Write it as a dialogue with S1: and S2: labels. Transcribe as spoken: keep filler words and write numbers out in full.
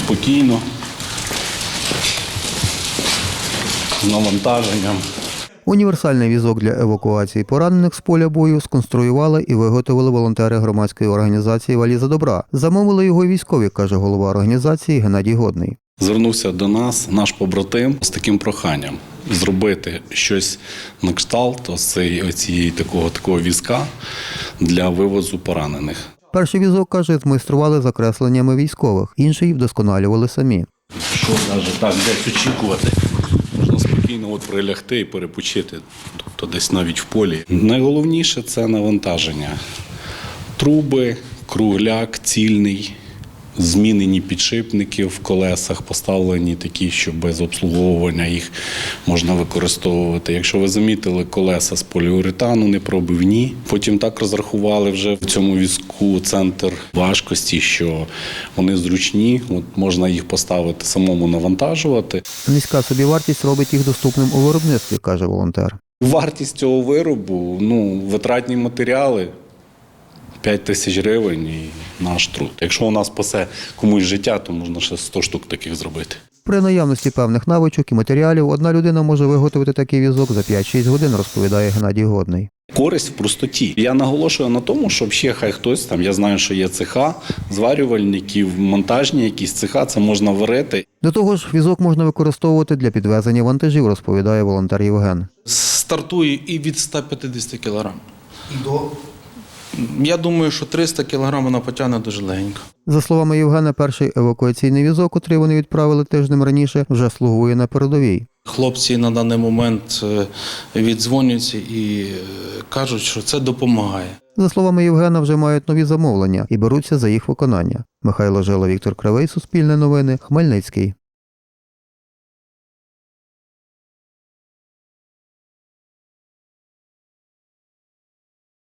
S1: спокійно, з навантаженням.
S2: Універсальний візок для евакуації поранених з поля бою сконструювали і виготовили волонтери громадської організації «Валіза добра». Замовили його військові, каже голова організації Геннадій Годний.
S1: Звернувся до нас наш побратим з таким проханням зробити щось на кшталт ось цієї такого, такого візка для вивозу поранених.
S2: Перший візок, каже, змайстрували за кресленнями військових, інший вдосконалювали самі.
S1: Що навіть так десь очікувати, можна спокійно от прилягти і перепочити, тобто десь навіть в полі. Найголовніше – це навантаження. Труби, кругляк, цільний, змінені підшипники в колесах, поставлені такі, що без обслуговування їх можна використовувати. Якщо ви замітили, колеса з поліуретану непробивні. Потім так розрахували вже в цьому візку центр важкості, що вони зручні, от можна їх поставити самому навантажувати.
S2: Низька собівартість робить їх доступним у виробництві, каже волонтер.
S1: Вартість цього виробу, ну, витратні матеріали – п'ять тисяч гривень і наш труд. Якщо у нас спасе комусь життя, то можна ще сто штук таких зробити.
S2: При наявності певних навичок і матеріалів одна людина може виготовити такий візок за п'ять-шість годин, розповідає Геннадій Годний.
S1: Користь в простоті. Я наголошую на тому, щоб ще хай хтось, там, я знаю, що є цеха, зварювальників, монтажні якісь цеха, це можна варити.
S2: До того ж, візок можна використовувати для підвезення вантажів, розповідає волонтер Євген.
S3: Стартує і від ста п'ятдесят кілограм. До? Я думаю, що триста кілограм вона потягне дуже легенько.
S2: За словами Євгена, перший евакуаційний візок, котрий вони відправили тижнем раніше, вже слугує на передовій.
S3: Хлопці на даний момент віддзвонюються і кажуть, що це допомагає.
S2: За словами Євгена, вже мають нові замовлення і беруться за їх виконання. Михайло Жила, Віктор Кривий, Суспільне новини, Хмельницький.